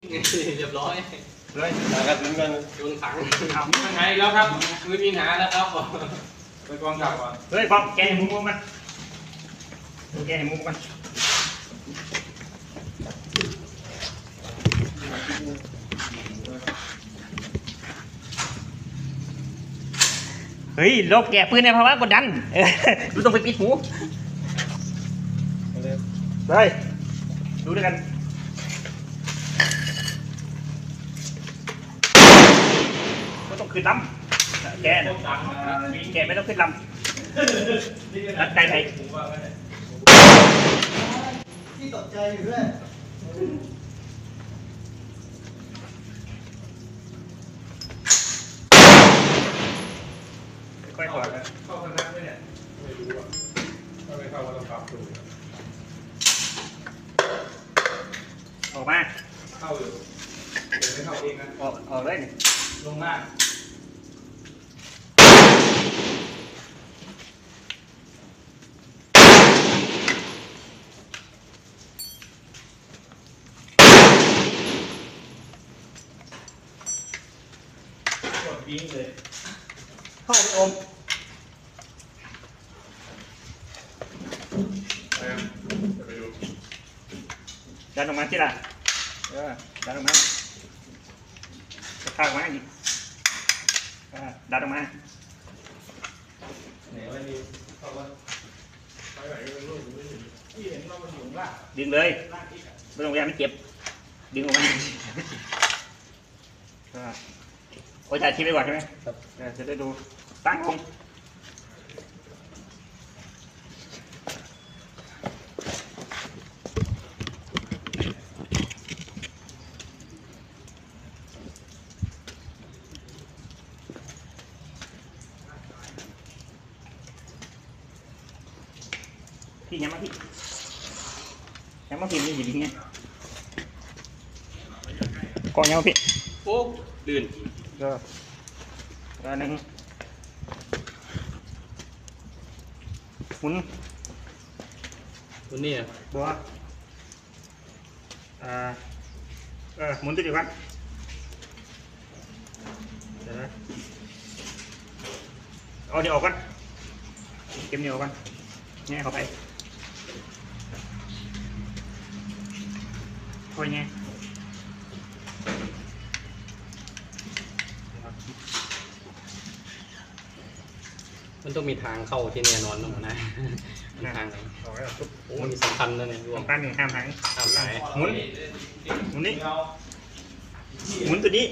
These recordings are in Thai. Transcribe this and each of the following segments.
เรียบร้อยเลยหากระสุนกันโยนถังยังไงแล้วครับมือมีหาแล้วครับไปกองกลับก่อนเฮ้ยป๊อปแกให้มุกมันแกให้มุกมันเฮ้ยลบแกปืนในภาวะกดดันดูต้องไปปิดหูเลยดูด้วยกันไม่ต้องขึ้นลำแกแกไม่ต้องขึ้นลำรัดใจไปที่ตกใจอยู่ด้วยค่อยถอดเข้าคณะไหมเนี่ยไม่รู้อ่ะถ้าไม่เข้าก็ต้องปรับดูออกมาเข้าอยู่เดี๋ยวไม่เข้าเองนะออกเลยลงมากกดวิ่งเลยเข้าไปอมไปดูดันออกมาที่ละดันออกมาข้างมาอีกดันออกมาไหนวะนี่เข้าว่าไปไหนกันลูกที่เห็นเรามันอยู่ล่างดึงเลยไม่ต้องพยายามไม่เจ็บดึงออกมาโอ้ยถ่ายคลิปไปก่อนใช่ไหมจะได้ดูตั้งลงพี่ยังมาพี่นี่อยู่ดีไงกองยังมาพี่โอ้ลื่นก็หนึ่งหมุนตัวนี้บัวหมุนตัวเดียวกันเดี๋ยวนะเอาเดี๋ยวออกกันเก็บเดี๋ยวออกกันแง่เข้าไปค่อยแง่มันต้องมีทางเข้าที่แน่นอนนะหัวหน้ามีทางไหนโอ้มีสำคัญนะเนี่ยรวมกันหนึ่งห้ามหายหมุนนี่หมุนตัวนี้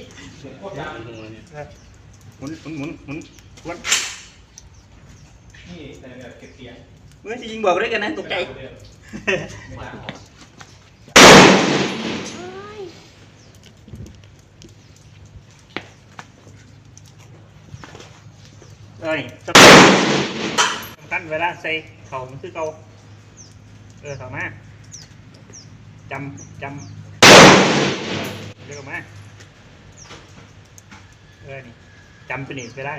หมุนวันนี่แต่เก็บเสียงเมื่อจะยิงบอกด้วยกันนะตกใจสำคัญเวลาใส่เข่ามันคือเก่าเข่ามาจำเรียกออกมานี่จำตัวนี้ไปได้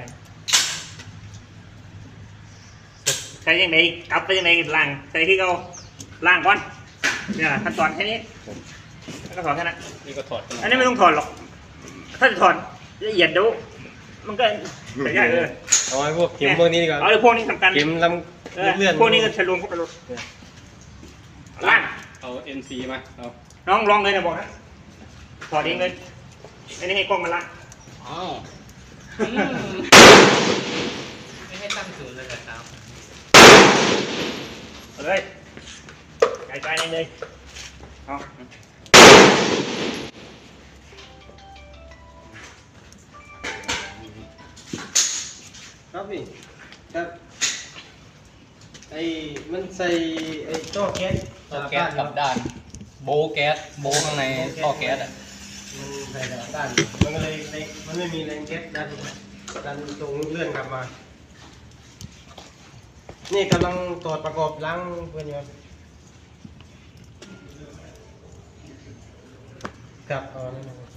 ใส่ยังไงกลับไปยังไงล่างใส่ที่เก่าล่างก่อนเนี่ยขั้นตอนแค่นี้แล้วก็ถอดแค่นั้นนี่ก็ถอดอันนี้ไม่ต้องถอดหรอกถ้าจะถอดละเอียดดูมันก็ใส่ยากเอาไว้พวกเข็มพวกนี้ดีกว่าเอาพวกนี้สำคัญเข็มลำเลื่อนพวกนี้ก็ทะลุเข้าไปเลยล่างเอา NC มาเอาน้องลองเลยนะบอกนะถอดเองเลยอันนี้ให้กล้องมาล่างอ้าวไม่ให้ตั้งศูนย์เลยครับเลยใจเลยเอาครับพี่ครับมันใส่ท่อแก๊สกับด้านโบแก๊สโบข้างในท่อแก๊สมันใส่กับด้านมันก็เลยมันไม่มีแรงแก๊สดันตรงเลื่อนกลับมานี่กำลังตรวจประกอบล้างเพื่อนอยู่ครับนั่น